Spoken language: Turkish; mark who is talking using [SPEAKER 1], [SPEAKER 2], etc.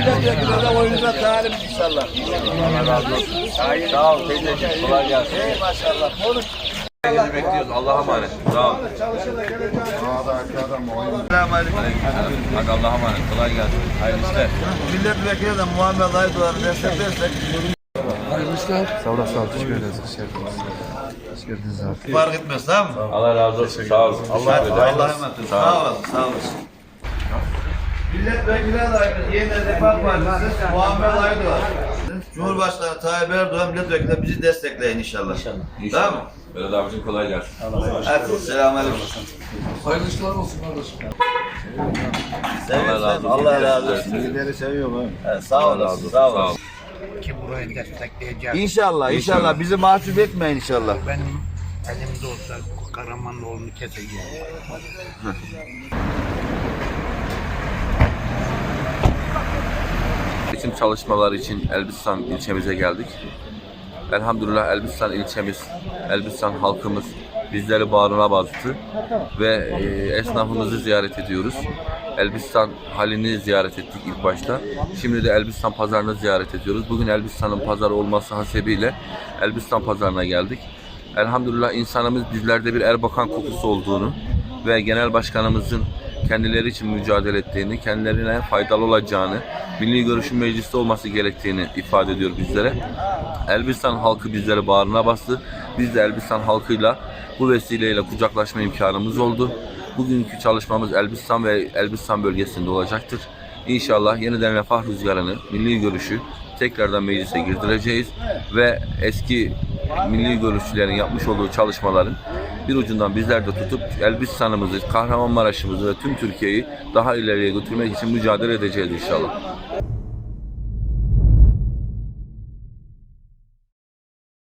[SPEAKER 1] milletvekili de oyunuza talim inşallah.
[SPEAKER 2] Allah razı olsun. Sağ ol teyzeciğim. Kolay gelsin.
[SPEAKER 1] Maşallah. Konuş.
[SPEAKER 2] Herkesi bekliyoruz. Allah'a emanet. Sağ ol.
[SPEAKER 1] Selamünaleyküm.
[SPEAKER 2] Hadi Allah'a emanet. Kolay gelsin. Hayırlı işler.
[SPEAKER 1] Milletvekili de Muhammed Aydoğan'ı desteklersek
[SPEAKER 3] Sağ olasın, teşekkür ederiz. Hoş geldiniz abi.
[SPEAKER 1] fark etmez, tamam mı?
[SPEAKER 2] Allah razı olsun. Sağ olun.
[SPEAKER 1] Allah'a emanet olun. Sağ olasın, sağ olasın. Milletvekili adayımız Yeniden Refah Partisi Muhammed Aydoğan. Cumhurbaşkanı Tayyip Erdoğan milletvekili bizi destekleyin inşallah. Tamam mı?
[SPEAKER 2] Berat abicim kolay gelsin.
[SPEAKER 1] Hadi selamünaleyküm.
[SPEAKER 3] Hayırlı işler olsun kardeşim.
[SPEAKER 2] Allah razı olsun.
[SPEAKER 1] Allah razı olsun.
[SPEAKER 3] Sizleri seviyorum abi.
[SPEAKER 1] Evet, sağ olasın, sağ olasın.
[SPEAKER 4] Ki burayı destekleyeceğiz.
[SPEAKER 1] İnşallah, inşallah. Bizi mahcup etmeyin inşallah.
[SPEAKER 4] Benim elimde olsa Karamanoğlu'nu keseceğim.
[SPEAKER 2] Eğitim çalışmaları için Elbistan ilçemize geldik. Elhamdülillah Elbistan ilçemiz, Elbistan halkımız bizleri bağrına bastı ve esnafımızı ziyaret ediyoruz. Elbistan halini ziyaret ettik ilk başta. Şimdi de Elbistan pazarını ziyaret ediyoruz. Bugün Elbistan'ın pazarı olması hasebiyle Elbistan pazarına geldik. Elhamdülillah insanımız bizlerde bir Erbakan kokusu olduğunu ve genel başkanımızın kendileri için mücadele ettiğini, kendilerine faydalı olacağını, milli görüşün mecliste olması gerektiğini ifade ediyor bizlere. Elbistan halkı bizleri bağrına bastı. Biz de Elbistan halkıyla bu vesileyle kucaklaşma imkanımız oldu. Bugünkü çalışmamız Elbistan ve Elbistan bölgesinde olacaktır. İnşallah yeniden refah rüzgarını, milli görüşü tekrardan meclise girdireceğiz ve eski milli görüşçülerin yapmış olduğu çalışmaların bir ucundan bizler de tutup Elbistan'ımızı, Kahramanmaraş'ımızı ve tüm Türkiye'yi daha ileriye götürmek için mücadele edeceğiz inşallah.